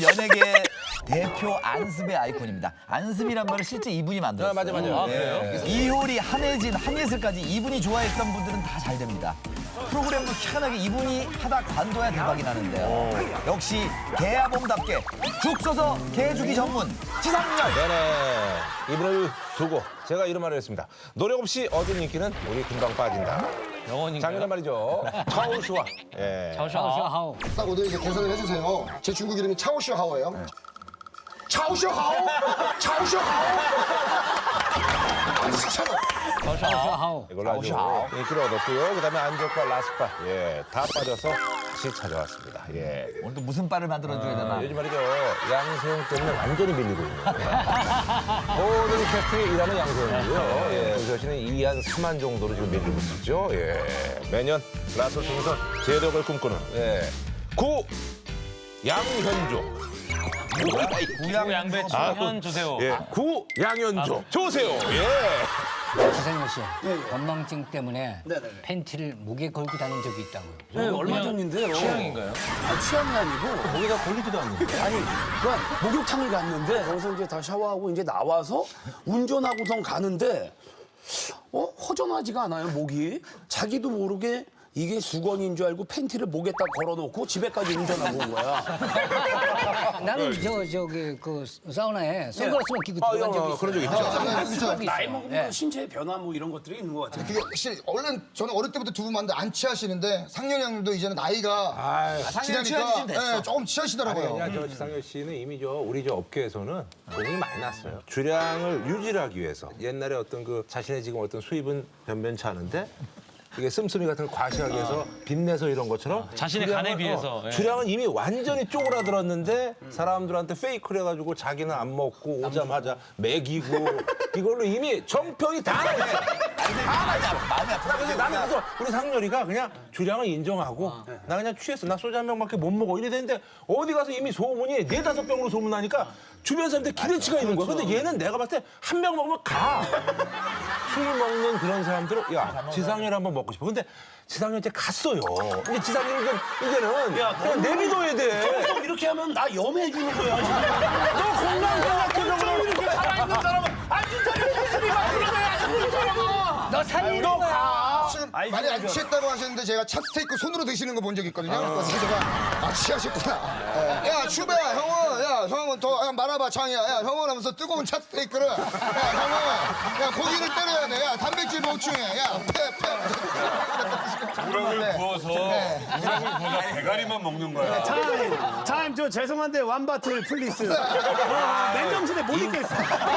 연예계 대표 안습의 아이콘입니다. 안습이란 말을 실제 이분이 만들었어요. 맞아. 아, 그래요? 이효리, 한혜진, 한예슬까지 이분이 좋아했던 분들은 다 잘 됩니다. 프로그램도 희한하게 이분이 하다 관둬야 대박이 나는데요. 역시 개야봉답게 죽 써서 개주기 전문 지상렬. 네네. 이분을 두고 제가 이런 말을 했습니다. 노력 없이 얻은 인기는 우리 금방 빠진다. 영원인가요? 작년에 말이죠. 차오슈아. 예. 샤오샤오. 딱 오늘 이제 개선을 해주세요. 제 중국 이름이 차오슈하오예요. 차오슈하오! 차오슈하오! 아, 진짜. 샤오샤오. 이걸로 아주 인기를 얻었고요. 그다음에 안적과 라스파. 예. 다 빠져서 다시 찾아왔습니다. 예. 오늘 또 무슨 바를 만들어줘야 되나. 요즘 말이죠. 양세형 때문에 완전히 밀리고 있는 모든 캐스팅에 일하는 양세형이고요. 예. 저 씨는 2한 3한 정도로 지금 밀리고 있죠. 예. 매년 라스를 통해서 재력을 꿈꾸는 구 양현조. 구양배추 현 조세호. 예. 구 양현조. 조세호. 예. 지상렬 씨, 건망증 때문에 팬티를 목에 걸고 다닌 적이 있다고요. 네, 얼마 전인데요. 취향인가요? 아, 취향이 아니고 목에가 걸리지도 않는데. 아니, 그러니까 목욕탕을 갔는데 거기서 이제 다 샤워하고 이제 나와서 운전하고선 가는데 허전하지가 않아요, 목이. 자기도 모르게 이게 수건인 줄 알고 팬티를 목에다 걸어놓고 집에까지 운전하고 온 거야. 나는 저기 그 사우나에 선글라스만 끼고 들어간 적이 있어요. 그런 적 있죠. 있어요. 나이 먹으면 신체의 변화 뭐 이런 것들이 있는 것 같아요. 그게 확실히 원래 저는 어릴 때부터 두 분 봤는데 안 취하시는데 상렬이 형님도 이제는 나이가 상렬이 지나니까 취하시면 됐어. 예, 조금 취하시더라고요. 아니야, 저 지상렬 씨는 이미 우리 업계에서는 돈이 많이 났어요. 주량을 유지하기 위해서 옛날에 어떤 그 자신의 지금 어떤 수입은 변변치 않은데 이게 씀씀이 같은 걸 과시하기 위해서 빚내서 이런 것처럼 자신의 간에 비해서, 예. 주량은 이미 완전히 쪼그라들었는데 사람들한테 페이크를 해가지고 자기는 안 먹고 오자마자 먹이고 이걸로 이미 정평이 다 나있어. 마음이 아프다. 그래서 나는 그래서 우리 상렬이가 그냥 주량을 인정하고 나 그냥 취했어. 나 소주 한 병밖에 못 먹어. 이래 되는데 어디 가서 이미 소문이 4-5병으로 소문나니까 주변 사람들 기대치가 있는 거야. 근데 얘는 내가 봤을 때 한 병 먹으면 가. 술 먹는 그런 사람들은 야 지상렬 한번 먹고 싶어. 근데 지상렬 이제 갔어요. 근데 지상렬 이제는 그냥 내비둬야 돼. 형 이렇게 하면 나 염해 주는 거야. 너 건강생각해서 이렇게 살아있는 사람은 안 진짜로 목소리 막히는 거야. 너 살리는 거야. 지금 많이 안 취했다고 하셨는데 제가 찹스테이크 손으로 드시는 거 본 적 있거든요. 그래서 제가 취하셨구나. 야 추배야 형은 더 말아봐 창이야. 야 형은 하면서 뜨거운 찹스테이크를 야 형은 야 고기를 때려야 돼. 야 단백질 보충해. 야 우럭을 구워서 대가리만 먹는 거야. 타임 저 죄송한데 완바틀 플리스. 맨정신에 못 있겠어.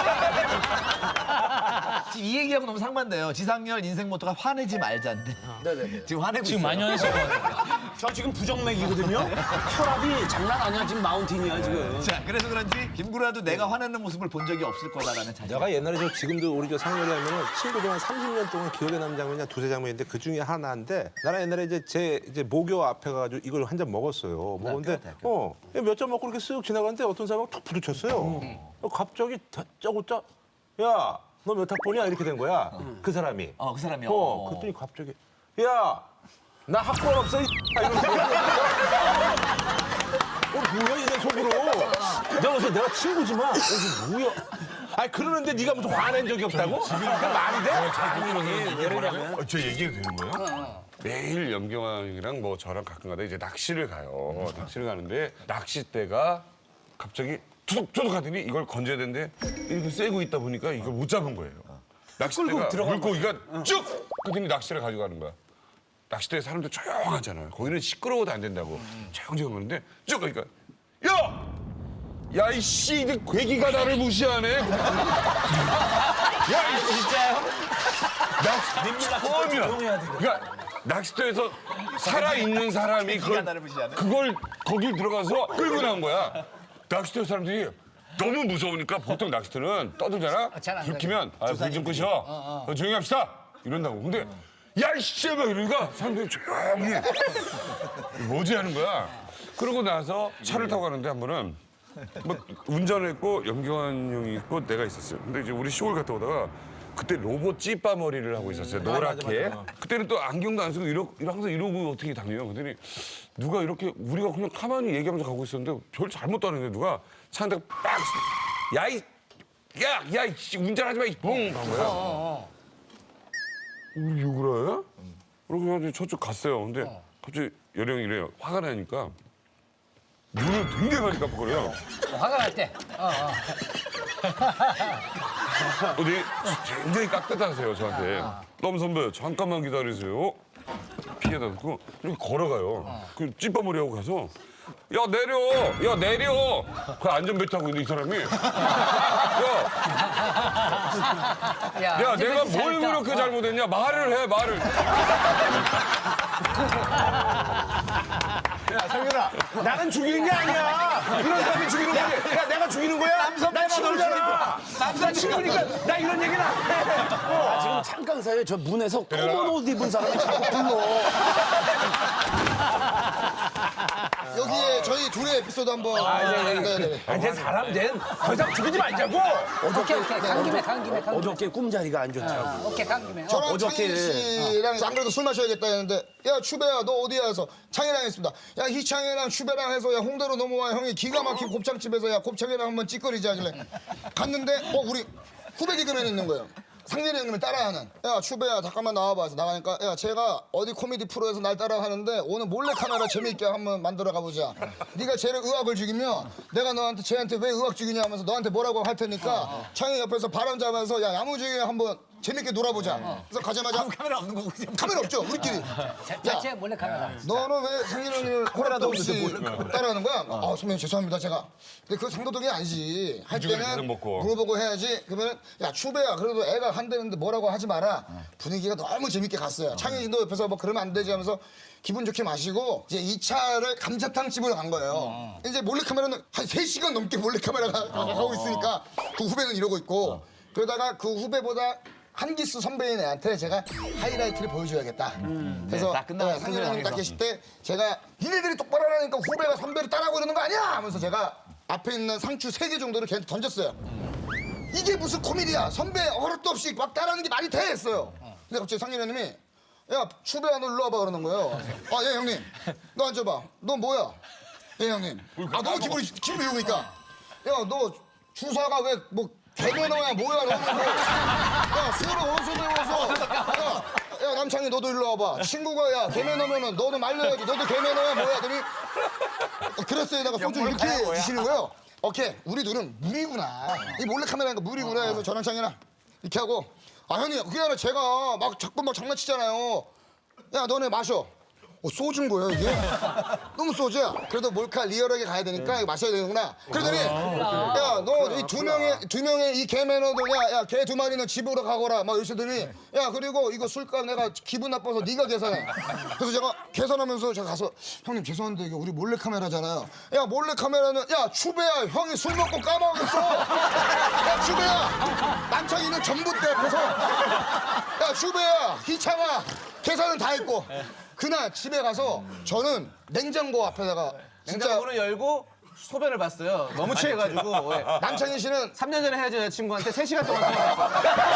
지금 이 얘기하고 너무 상반돼요. 지상렬 인생 모토가 화내지 말자인데. 지금 화내고 지금 있어요. 많이 화내실 것 같아요. 저 지금 부정맥이거든요. 혈압이 장난 아니야. 지금 마운틴이야 지금. 자, 그래서 그런지 김구라도 내가 화내는 모습을 본 적이 없을 거다라는 자신. 내가 옛날에 지금도 우리 상렬이 하면은 친구들 한 30년 동안 기억에 남는 장면이 한 2-3 장면인데 그 중에 하나인데 나는 옛날에 이제 모교 앞에 가가지고 이걸 한 잔 먹었어요. 먹었는데 몇 잔 먹고 이렇게 쓱 지나갔는데 어떤 사람이 툭 부딪혔어요. 갑자기 다짜고짜 야 너 몇 학번이야 이렇게 된 거야. 그 사람이. 그 사람이요. 그랬더니 갑자기 야 나 학번 없어 이 이러면서 뭐야 이내 속으로. 내가 그래서 내가 친구지만 이게 뭐야. 아니 그러는데 네가 무슨 화낸 적이 없다고? 그 말이 돼? 예를 들면 저 얘기가 되는 거예요? 매일 염경환이랑 뭐 저랑 가끔가다 이제 낚시를 가요. 낚시를 가는데 낚싯대가 갑자기 투둑투둑 하더니 이걸 건져야 되는데 이렇게 쐬고 있다 보니까 이걸 못 잡은 거예요. 낚싯대가 물고기가 쭉 그더니 낚싯대를 가져가는 거야. 낚싯대에 사람들 조용하잖아요. 거기는 시끄러워도 안 된다고 조용조용 하는데 쭉 가니까 야 이씨 이 괴기가 나를 무시하네. 야 이 진짜요? 처음이야. 그러니까 낚싯대에서 살아있는 사람이 그걸 거길 들어가서 끌고 나온 거야. 낚싯대 사람들이 너무 무서우니까 보통 낚싯대는 떠들잖아. 불 켜면 불 좀 끄셔. 조용히 합시다. 이런다고. 근데 야 이씨 막 이러니까 사람들이 조용히 뭐지 하는 거야. 그러고 나서 차를 타고 가는데 한 번은 뭐 운전을 했고 염경환 형이 있고 내가 있었어요. 근데 이제 우리 쇼를 갔다 오다가 그때 로봇 찌빠 머리를 하고 있었어요. 노랗게. 맞아. 그때는 또 안경도 안 쓰고 항상 이러고 어떻게 다녀요. 그랬더니 누가 이렇게 우리가 그냥 가만히 얘기하면서 가고 있었는데 별 잘못도 안 했는데 누가 차 한 대 빡! 야, 운전하지 마, 붕! 간 거야. 우리 욕을 해? 그러고 저쪽 갔어요. 근데 갑자기 여령이 이래요. 화가 나니까 눈을 굉장히 많이 깜빡거려요. 화가 날 때. 어디 굉장히 깍듯하세요 저한테. 너무 선배 잠깐만 기다리세요. 피해다 듣고 이렇게 걸어가요. 그 찌빠머리하고 가서 야 내려. 그 안전벨트 타고 있는 이 사람이 야 내가 뭘 그렇게 잘못했냐 말을 해. 야, 상윤아, 나는 죽이는 게 아니야. 이런 사람이 죽이는 거지. 야, 내가 죽이는 거야? 나 친구잖아. 남자 친구니까 나 이런 얘기는 안 해. 지금 잠깐 사이에 저 문에서 검은 옷 입은 사람이 자꾸 불러. 여기에 저희 둘의 에피소드 한번. 네네네. 쟤 사람 더 이상 죽이지 말자고. 오케이. 간 김에. 어저께 꿈자리가 안 좋다고. 오케이, 간 김에. 저랑 어저께- 창희 씨랑 안 그래도 술 마셔야겠다 했는데 야 추배야 너 어디야 해서 창희랑 했습니다. 야 희창이랑 추배랑 해서 야 홍대로 넘어와 형이 기가 막힌 곱창집에서 야 곱창이랑 한번 찌꺼리지 하길래 갔는데 우리 후배 개그맨이 있는 거예요. 상렬이 형님을 따라하는. 야 추배야 잠깐만 나와봐 해서 나가니까 야 제가 어디 코미디 프로에서 날 따라하는데 오늘 몰래카메라 재미있게 한번 만들어 가보자. 네가 쟤를 의학을 죽이면 내가 너한테 쟤한테 왜 의학 죽이냐 하면서 너한테 뭐라고 할 테니까 창희 옆에서 바람 잡아서 야 야무지게 한번 재밌게 놀아보자. 그래서 가자마자 카메라 없는 거고 그냥 카메라 없죠 우리끼리. 자체 몰래 카메라. 너는 왜 상렬 형님을 허락도 없이 따라하는 거야? 선배님 죄송합니다 제가. 근데 그거 상도덕이 아니지. 할 계속 때는 먹고. 물어보고 해야지. 그러면 야 추배야 그래도 애가 한대는데 뭐라고 하지 마라. 분위기가 너무 재밌게 갔어요. 창희 씨도 옆에서 뭐 그러면 안 되지 하면서 기분 좋게 마시고 이제 2차를 감자탕 집으로 간 거예요. 이제 몰래카메라는 한 3시간 넘게 몰래카메라가 가고 있으니까 그 후배는 이러고 있고 그러다가 그 후배보다 한 기수 선배인 애한테 제가 하이라이트를 보여줘야겠다. 그래서 딱 끝나고 상렬 형님 딱 계실 때 제가 니네들이 똑바로 하라니까 후배가 선배를 따라하고 이러는 거 아니야? 하면서 제가 앞에 있는 상추 3개 정도를 걔한테 던졌어요. 이게 무슨 코미디야? 선배 허락도 없이 막 따라하는 게 말이 돼? 했어요. 근데 갑자기 상렬 형님이 야 추배야 너 일로 와봐 그러는 거예요. 예 형님 너 앉아봐. 너 뭐야? 예 형님. 너무 기분이 좋으니까 야 너 주사가 왜 뭐 개면허야 뭐야 너는 야 수를 어디서 배워서 야 남창희 너도 일로 와봐. 친구가 야 개면허면은 너도 말려야지. 너도 개면허야 뭐야 그러니 그랬어요다가 소주 이렇게 주시는 거예요. 오케이 우리 둘은 물이구나. 이 몰래카메라니까 물이구나 해서 저랑 창희랑 이렇게 하고 형님 그게 아니라 제가 막 자꾸 막 장난치잖아요. 야 너네 마셔. 소주인 거예요 이게? 너무 소주야. 그래도 몰카 리얼하게 가야 되니까 이거 마셔야 되는구나. 그러더니 야 너 이 두 명의 이 개매너들 야 개 2마리는 집으로 가거라 막 이러시더니 야 그리고 이거 술값 내가 기분 나빠서 네가 계산해. 그래서 제가 계산하면서 제가 가서 형님 죄송한데 이게 우리 몰래카메라잖아요. 야 몰래카메라는 야 추배야 형이 술 먹고 까먹었어. 야 추배야 남창이는 전부 때 앞에서 야 추배야 희창아 계산은 다 했고 그날 집에 가서 저는 냉장고 앞에다가 진짜 냉장고를 열고 소변을 봤어요. 너무 취해가지고. 예. 남창희 씨는 3년 전에 헤어진 여자친구한테 3시간 동안 통화했어요.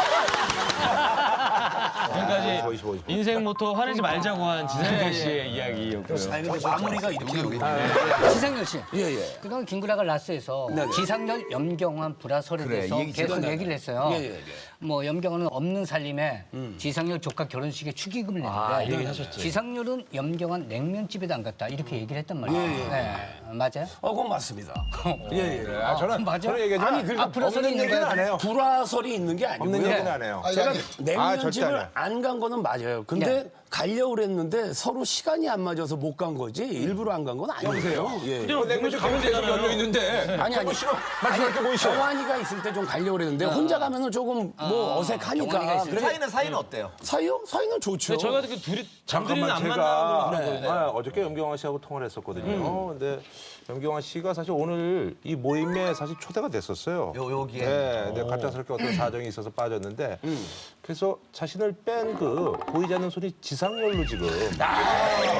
지금까지 인생 모토 화내지 말자고 한 지상렬 씨의 이야기였고요. 마무리가 이렇게 지상렬 씨. 예. 그동안 김구라가 라스에서 지상렬, 염경환 불화설에 그래, 대해서 이 얘기 계속 들었네. 얘기를 했어요. 예. 뭐 염경환은 없는 살림에 지상렬 조카 결혼식에 축의금을 냈는데 얘기하셨지. 지상렬은 염경환 냉면집에도 안 갔다 이렇게 얘기를 했단 말이에요. 네. 맞아요? 그건 맞습니다. 예. 저는 맞아? 저는 얘기하지만 아니, 그러니까 불화설이 없는 있는 얘기는 거야? 안 해요. 불화설이 있는 게 아니고요. 없는 얘기는 안 해요. 제가 아니, 절대 안 냉면집을 해요. 안 간 거는 맞아요. 근데 가려고 그랬는데 서로 시간이 안 맞아서 못 간 거지 일부러 안 간 건 아니에요. 예. 냉면집 가면 계속 열려 있는데. 아니. 말씀할 게 뭐 있어? 정환이가 있을 때 좀 가려고 그랬는데 혼자 가면은 조금 뭐 어색하니까. 그래, 사이는 어때요? 사이는 좋죠. 저희가 그 둘이 잠들이는 안 만나는 걸로 제가 어저께 염경환 씨하고 통화를 했었거든요. 근데 염경환 씨가 사실 오늘 이 모임에 사실 초대가 됐었어요. 여기에? 네, 근데 갑작스럽게 어떤 사정이 있어서 빠졌는데 그래서 자신을 뺀 그 보이지 않는 손이 지상렬로 지금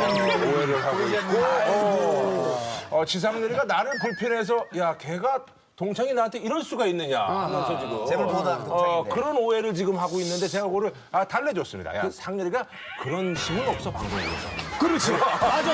오해를 하고 있고 지상렬이가 나를 불편해서 야 걔가 동창이 나한테 이럴 수가 있느냐 하면서 지금 재물보다 동창인데. 그런 오해를 지금 하고 있는데 제가 그거를 달래줬습니다. 야 상렬이가 그런 힘은 없어 방송국에서. 그렇지. 맞아.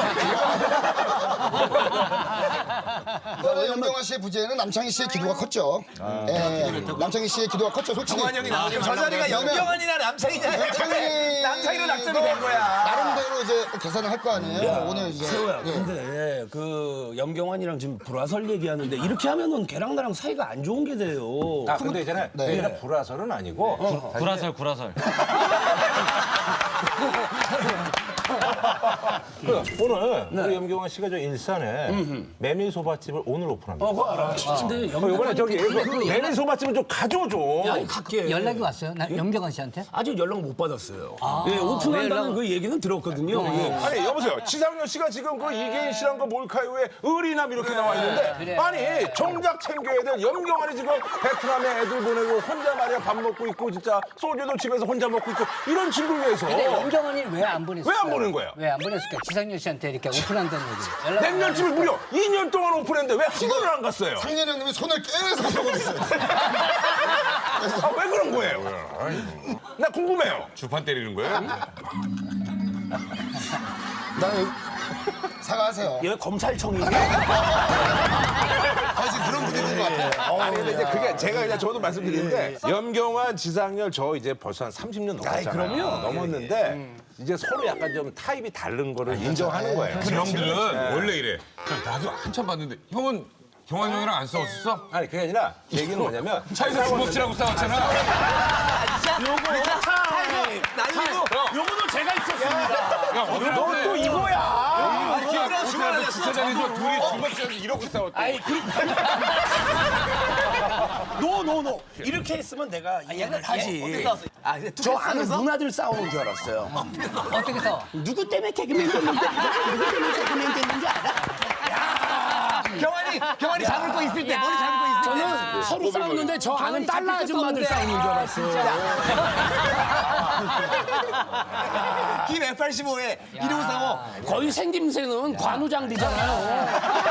염경환 씨의 부재는 남창희 씨의 기도가 컸죠. 남창희 씨의 기도가 컸죠. 솔직히. 저 자리가 영경환이나 남창이냐? 남창이로 낙점이 된 거야. 나름대로 이제 계산을 할 거 아니에요. 오늘 이제. 세호야, 예. 근데 그 염경환이랑 지금 불화설 얘기하는데 이렇게 하면은 걔랑 나랑 사이가 안 좋은 게 돼요. 근데 있잖아요. 얘는 불화설은 아니고 구라설 구라설. 오늘 우리 염경환 씨가 저 일산에 메밀소바집을 오늘 오픈합니다. 그거 알아. 근데 이번에 저기 메밀소바집은 좀 가져줘. 아니 갈게. 연락이 왔어요? 염경환 씨한테? 아직 연락 못 받았어요. 예, 오픈한다는 그 얘기는 들었거든요. 예. 아니 여보세요. 지상렬 씨가 지금 그 이계인 씨랑 그 몰카이오에 의리남 이렇게 나와 있는데 아니 정작 챙겨야 될 염경환이 지금 베트남에 애들 보내고 혼자 말이야 밥 먹고 있고 진짜 소주도 집에서 혼자 먹고 있고 이런 친구를 위해서 근데 염경환이 왜 안 보냈을까? 왜 안 보낸 거예요? 왜 안 보냈을까? 지상렬 씨한테 이렇게 오픈한다는 얘기. 연락 냉면집을 무려 2년 동안 오픈했는데 왜 한 번을 안 갔어요? 상렬 형님이 손을 깨서 가져오고 있어요. 왜 그런 거예요? 나 궁금해요. 주판 때리는 거예요? 나는 사과하세요. 얘 검찰청이니? 지금 그런 분위기인 것 같아요. 아니 근데 이제 그게 제가 그냥 저도 말씀드리는데 염경환, 지상렬 저 이제 벌써 한 30년 넘었잖아요. 넘었는데 이제 서로 약간 좀 타입이 다른 거를 인정하는 거예요. 그 형들은 원래 이래. 나도 한참 봤는데 형은 경환 형이랑 안 싸웠었어? 아니 그게 아니라 얘기는 뭐냐면 차에서 주먹질하고 싸웠잖아. 요거도 제가 있었습니다. 야 오늘 또 이거야. 호텔 주차장에서 둘이 주먹질하면서 이렇게 싸웠대. 아이, 노. 이렇게 했으면 내가 이해를 하지. 저 아는 누나들 싸우는 줄 알았어요. 어떻게 싸워? 누구 때문에 개그맨 됐는데? 누구 때문에 개그맨 됐는지 알아? 경환이 잡을 거 있을 때, 머리 잡을 거 있을 때. 저는 서로 싸우는데 저 아는 달러 아줌마들 싸우는 줄 알았어요. 김 F85에 1545. 거의 생김새는 관우장비잖아요.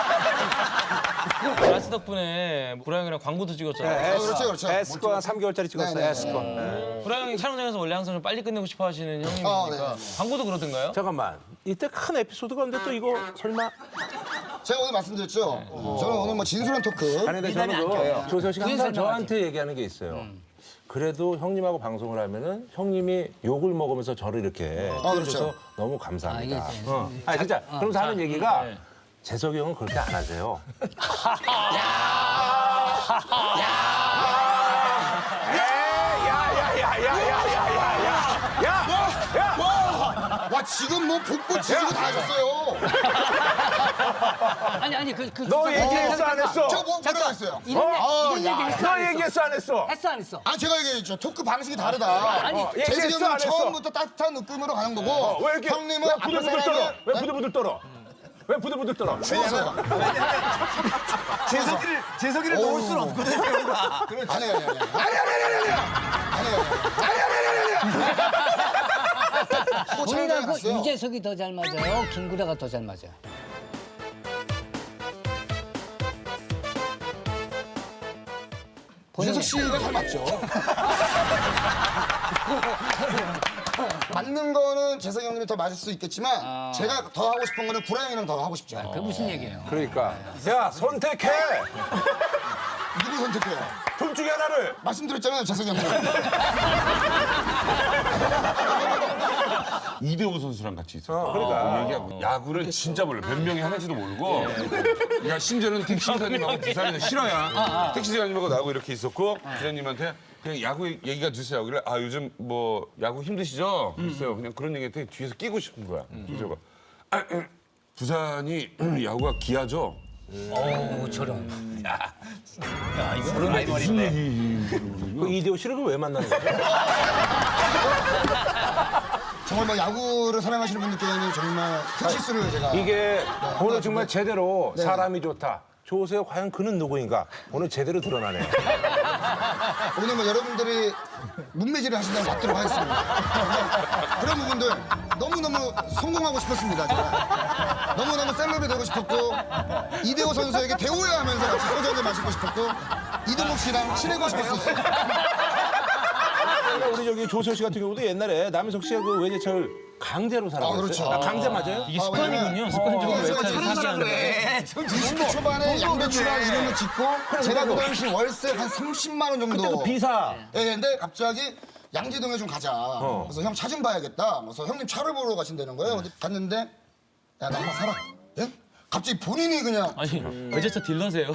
라스 덕분에 구라 형이랑 광고도 찍었잖아요. 그렇죠. 에스코 한 3개월짜리 찍었어요. 네네. 에스코. 구라 형이 촬영장에서 원래 항상 좀 빨리 끝내고 싶어 하시는 형님이니까 광고도 그러던가요? 잠깐만. 이때 큰 에피소드가 없는데 또 이거 설마? 제가 오늘 말씀드렸죠. 저는 오늘 뭐 진솔한 토크. 아니 근데 저는 그 조세호 씨가 항상 저한테 얘기하는 게 있어요. 그래도 형님하고 방송을 하면은 형님이 욕을 먹으면서 저를 이렇게 그렇죠. 해줘서 너무 감사합니다. 아, 이게 아니 진짜 그러면서 하는 얘기가 재석이 형은 그렇게 안 하세요. 와 지금 뭐 복부 지지고 다 하셨어요. 아니 너 얘기했어 안 했어? 제가 뭐 뭐라고 했어요? 이런 얘기 했어? 너 얘기했어 안 했어? 했어 안 했어? 아 제가 얘기했죠. 토크 방식이 다르다. 얘기했어, 재석이 안 형은 했어? 처음부터 따뜻한 느낌으로 가는 거고 왜 이렇게 형님은 왜 앞에 부들부들 떨어? 사람을 왜 부들부들 떨어? 왜 부들부들 떨어? 추워서요. 재석이를 놓을 수는 없거든, 세호가. 아니에요. 뭐 촬영장에 본인하고 갔어요. 유재석이 더 잘 맞아요? 김구라가 더 잘 맞아요? 유재석 씨가 잘 맞죠. 맞는 거는 재석이 형님이 더 맞을 수 있겠지만 제가 더 하고 싶은 거는 구라 형이랑 더 하고 싶죠. 그게 무슨 얘기예요? 그러니까 야 선택해. 누구 선택해요? 둘 중에 하나를. 말씀드렸잖아요, 재석이 형님. 이대호 선수랑 같이 있었어. 그러니까. 얘기하고 야구를 진짜 몰라. 몇 명이 하는지도 모르고. 야 심지어는 택시기사님하고 부산에서 싫어야. 택시기사님하고 나하고 이렇게 있었고 기사님한테 그냥 야구 얘기가 주세요. 그래 아 요즘 뭐 야구 힘드시죠? 그랬어요. 그냥 그런 얘기한테 뒤에서 끼고 싶은 거야. 그래서 부산이 야구가 기아죠. 저런. 그 이대호 씨를 왜 만나는 거죠? 정말 뭐 야구를 사랑하시는 분들께는 정말 큰 실수를 제가. 이게 오늘 정말 제대로 사람이 좋다. 조세호 과연 그는 누구인가? 오늘 제대로 드러나네요. 오늘 여러분들이 문매질을 하신다고 맞도록 하겠습니다. 그런 부분들 너무너무 성공하고 싶었습니다. 제가. 너무너무 셀럽이 되고 싶었고 이대호 선수에게 대호야 하면서 같이 소주 한잔 마시고 싶었고 이동국 씨랑 친해고 싶었어요. 우리 저기 조세호 씨 같은 경우도 옛날에 남희석 씨가 그 외제차를 강제로 살아갔어요. 그렇죠. 강제 맞아요? 이게 습관이군요. 습관적으로 외차를 사게 하는 거. 20대 초반에 양배추랑 이름을 짓고 제가 그 당시 월세 한 30만 원 정도. 그때도 비사. 예, 근데 갑자기 양지동에 좀 가자. 그래서 형 차 좀 봐야겠다. 그래서 형님 차를 보러 가신다는 거예요. 근데 갔는데 야, 나 하나 사라. 예? 갑자기 본인이 그냥 아니 외제차 딜러세요?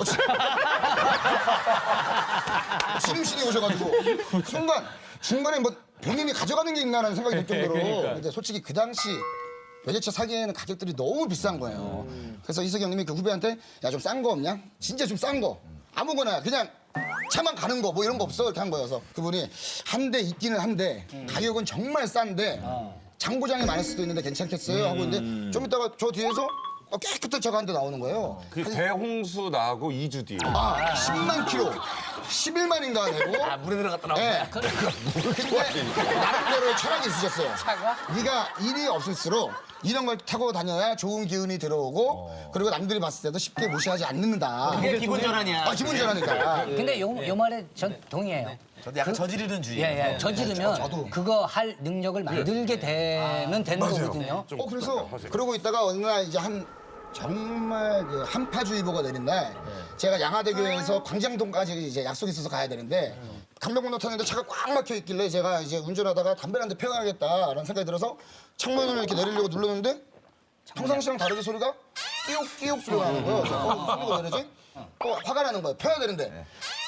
지름신이 오셔가지고 순간 중간에 뭐 본인이 가져가는 게 있나라는 생각이 들 정도로 그러니까. 근데 솔직히 그 당시 외제차 사기에는 가격들이 너무 비싼 거예요. 그래서 이석이 형님이 그 후배한테 야 좀 싼 거 없냐? 진짜 좀 싼 거 아무거나 그냥 차만 가는 거 뭐 이런 거 없어 이렇게 한 거예요. 그래서 그분이 한 대 있기는 한데 가격은 정말 싼데 장고장이 많을 수도 있는데 괜찮겠어요? 하고 있는데 좀 이따가 저 뒤에서 깨끗한 차가 한 대 나오는 거예요. 그 대홍수 나하고 2주 뒤에. 10만 킬로, 11만인가 되고. 물에 들어갔다 나오네. 네. 근데 나름대로의 철학이 있으셨어요. 네가 일이 없을수록 이런 걸 타고 다녀야 좋은 기운이 들어오고 그리고 남들이 봤을 때도 쉽게 무시하지 않는다. 그게 기본 전환이야. 기분 전환이니까. 근데 요 말에 전 동의해요. 저도 약간 저지르는 주의. 예, 예. 저지르면 그거 할 능력을 만들게 되면 되는 거거든요. 그래서 그러고 있다가 어느 날 이제 정말 그 한파주의보가 내린 날 제가 양화대교에서 광장동까지 이제 약속이 있어서 가야 되는데 강변북로 타는데 차가 꽉 막혀 있길래 제가 이제 운전하다가 담배를 한 대 피워야겠다라는 생각이 들어서 창문을 이렇게 내리려고 눌렀는데 평상시랑 다르게 소리가 끼옥끼옥 소리가 나는 거예요. 그래서 소리가 왜 이러지? 화가 나는 거예요. 펴야 되는데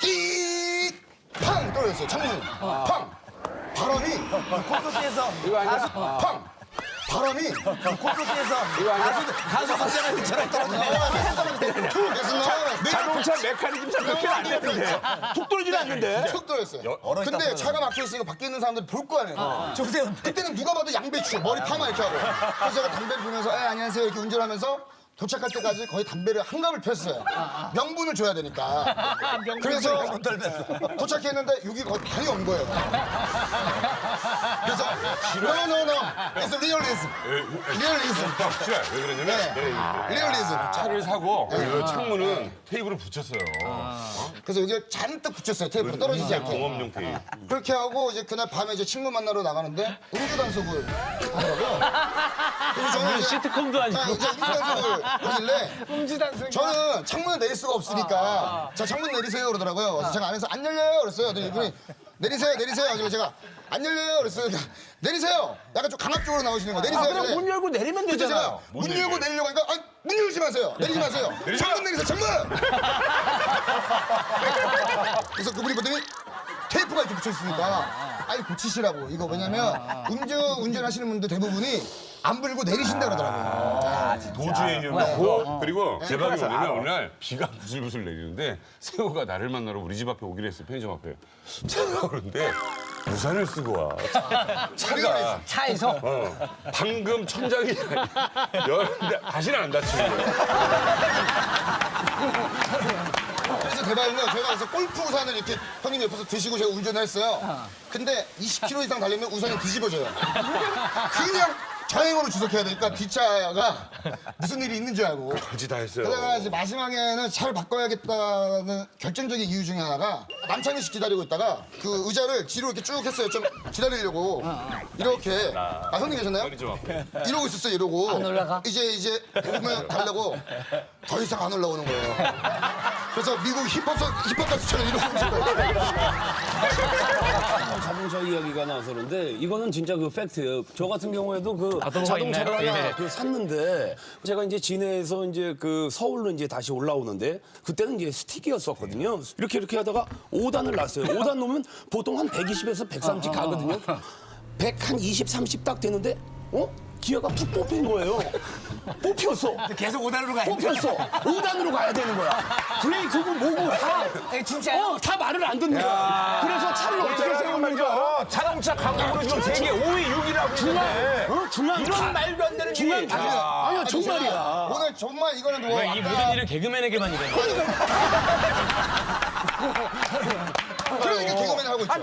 끼팡 떨어졌어요. 창문이 팡 바람이 콘서트에서 팡 바람이 콘서트에서 가수 확장할 때처럼 떨어지네요. 자동차 메커니즘상 그렇게 안 되는데. 툭 떨어지지 않는데. 툭 떨어졌어요. 근데 차가 막혀 있으니까 밖에 있는 사람들이 볼 거 아니에요. 그때는 누가 봐도 양배추 머리 파마 이렇게 하고. 그래서 제가 담배를 피면서 안녕하세요 이렇게 운전하면서 도착할 때까지 거의 담배를 한 갑을 폈어요. 명분을 줘야 되니까. 그래서 도착했는데 여기 거의 반이 온 거예요. 그래서 no, it's realism. realism. 확실해. 왜 그러냐면 realism. 차를 사고 그 창문은 테이프를 붙였어요. 그래서 여기 잔뜩 붙였어요. 테이프로 떨어지지 않게. 공업용 테이프. 그렇게 하고 이제 그날 밤에 이제 친구 만나러 나가는데 음주 단속을 하더라고요. 그래서 저는 이제 시트콤도 아니고. 이제 음주 단속을 하길래 저는 창문을 내릴 수가 없으니까 자 창문 내리세요 그러더라고요. 그래서 제가 안에서 안 열려요 그랬어요. 그랬더니 이분이 내리세요 하길래 제가 안 열려요 그랬어요. 그러니까 내리세요. 약간 좀 강압적으로 나오시는 거 내리세요. 그럼 하길래 문 열고 내리면 그때 제가 되잖아요. 문 열고 내리려고 하니까 문 열지 마세요. 내리지 마세요. 창문 내리세요. 창문. 그래서 그분이 보더니 테이프가 이렇게 붙여 있으니까 아니 고치시라고 이거 왜냐면 운전하시는 분들 대부분이 안 불고 내리신다 그러더라고요. 도주의 유명하고 그리고 대박이 뭐냐면 어느 날 비가 부슬부슬 내리는데 세호가 나를 만나러 우리 집 앞에 오기로 했어요. 편의점 앞에. 차가 오는데 우산을 쓰고 와. 차가 차에서 방금 천장이 열는데 다시는 안 다치는 거예요. 그래서 대박인 건 제가 그래서 골프 우산을 이렇게 형님 옆에서 드시고 제가 운전을 했어요. 근데 20km 이상 달리면 우산이 뒤집어져요. 그냥 자행으로 주석해야 되니까 뒷차가 무슨 일이 있는 줄 알고. 같이 다 했어요. 그러다가 이제 마지막에는 차를 바꿔야겠다는 결정적인 이유 중에 하나가 남창희 씨 기다리고 있다가 그 의자를 뒤로 이렇게 쭉 했어요. 좀 기다리려고. 이렇게. 형님 계셨나요? 편의점 앞에. 이러고 있었어요. 이러고. 안 올라가? 이제 보면 가려고 더 이상 안 올라오는 거예요. 그래서 미국 힙합 가수처럼 이러고 있는 거예요. 자동차 이야기가 나와서 그런데 이거는 진짜 그 팩트예요. 저 같은 경우에도 그 자동차를 있나요? 하나 예. 그 샀는데 제가 이제 진해에서 이제 그 서울로 이제 다시 올라오는데 그때는 이제 스틱이었었거든요. 이렇게 하다가 5단을 놨어요. 5단 놓으면 보통 한 120에서 130 가거든요. 100 한 20, 30 딱 되는데 기어가 툭 뽑힌 거예요. 뽑혔어. 계속 5단으로 가야 돼. 뽑혔어. 5단으로 가야 되는 거야. 브레이크고 뭐고 다. 진짜요? 다 말을 안 듣는 거야. 그래서 차를 어떻게 세우는 거야? 자동차 강국으로 지금 세계 5위, 6위라고 있는데. 중앙 이런 말도 안 되는 중앙 일이. 다. 아니야 정말이야. 오늘 정말 이거는 뭐 이 모든 일은 개그맨에게만 이래요.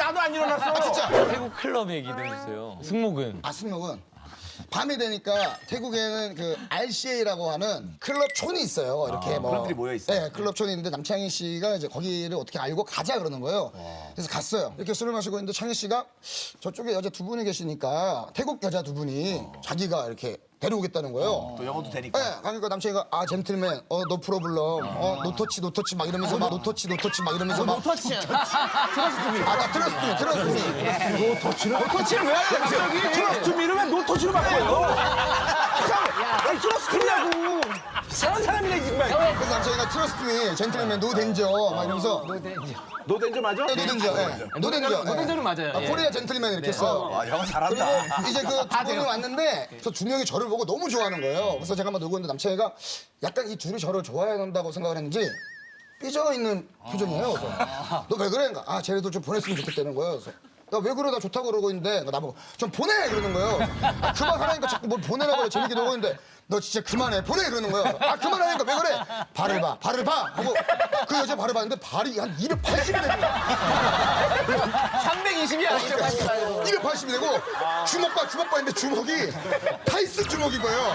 나도 안 일어났어. 아 진짜. 태국 클럽 얘기 좀 해주세요. 승목은 승목은 밤이 되니까 태국에는 그 RCA라고 하는 클럽 촌이 있어요. 이렇게 뭐 클럽들이 모여 있어요. 네, 클럽 촌이 있는데 남창희 씨가 이제 거기를 어떻게 알고 가자 그러는 거예요. 그래서 갔어요. 이렇게 술을 마시고 있는데 창희 씨가 저쪽에 여자 두 분이 계시니까 태국 여자 두 분이 자기가 이렇게 데려오겠다는 거예요. 또 영어도 되니까. 네, 그러니까 남창이가 아 젠틀맨, 노 프로블럼, 노터치 막 이러면서 막 노터치 막 이러면서 막 터치. 나 트러스트 터치를 왜 하냐 갑자기? 트러스트 미르면 노터치로 바꿔요. 아니 트러스트냐고. 이상한 사람이네 정말. 그래서 남창이가 트러스트 젠틀맨 노 덴저 막 이러면서 노덴저 맞아? 노덴저는 맞아요. 예. 코리아 젠틀맨 이렇게 했어요. 아, 영어 잘한다. 그리고 이제 그 두 분이 왔는데 저 두 명이 저를 보고 너무 좋아하는 거예요. 그래서 제가 막 놀고 있는데 남창이가 약간 이 둘이 저를 좋아한다고 생각을 했는지 삐져 있는 표정이에요. 너 왜 그래? 그러니까 아 쟤네도 좀 보냈으면 좋겠다는 거예요. 그래서 나 왜 그래? 나 좋다고 그러고 있는데 나보고 좀 보내 그러는 거예요. 아 그만하라니까 자꾸 뭘 보내라고 그래. 재밌게 놀고 있는데 너 진짜 그만해 보내 그러는 거예요. 아 그만하니까 왜 그래? 발을 봐 하고 그 여자 발을 봤는데 발이 한 280이 되는 거야. 320이야. 280이 되고 주먹 봐 했는데 주먹이 타이슨 주먹인 거예요.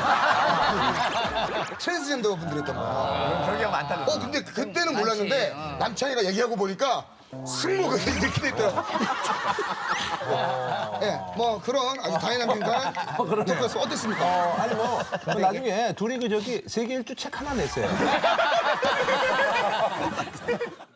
트랜스젠더 분들이 있던 거야. 그런 경우 많다. 근데 그때는 몰랐는데 남창이가 얘기하고 보니까 승모가 이렇게 돼 있더라고. 예, 뭐 그런 아주 다이나믹한 토크였어. 어땠습니까? 아니 뭐 나중에 둘이 그 저기 세계 일주 책 하나 냈어요.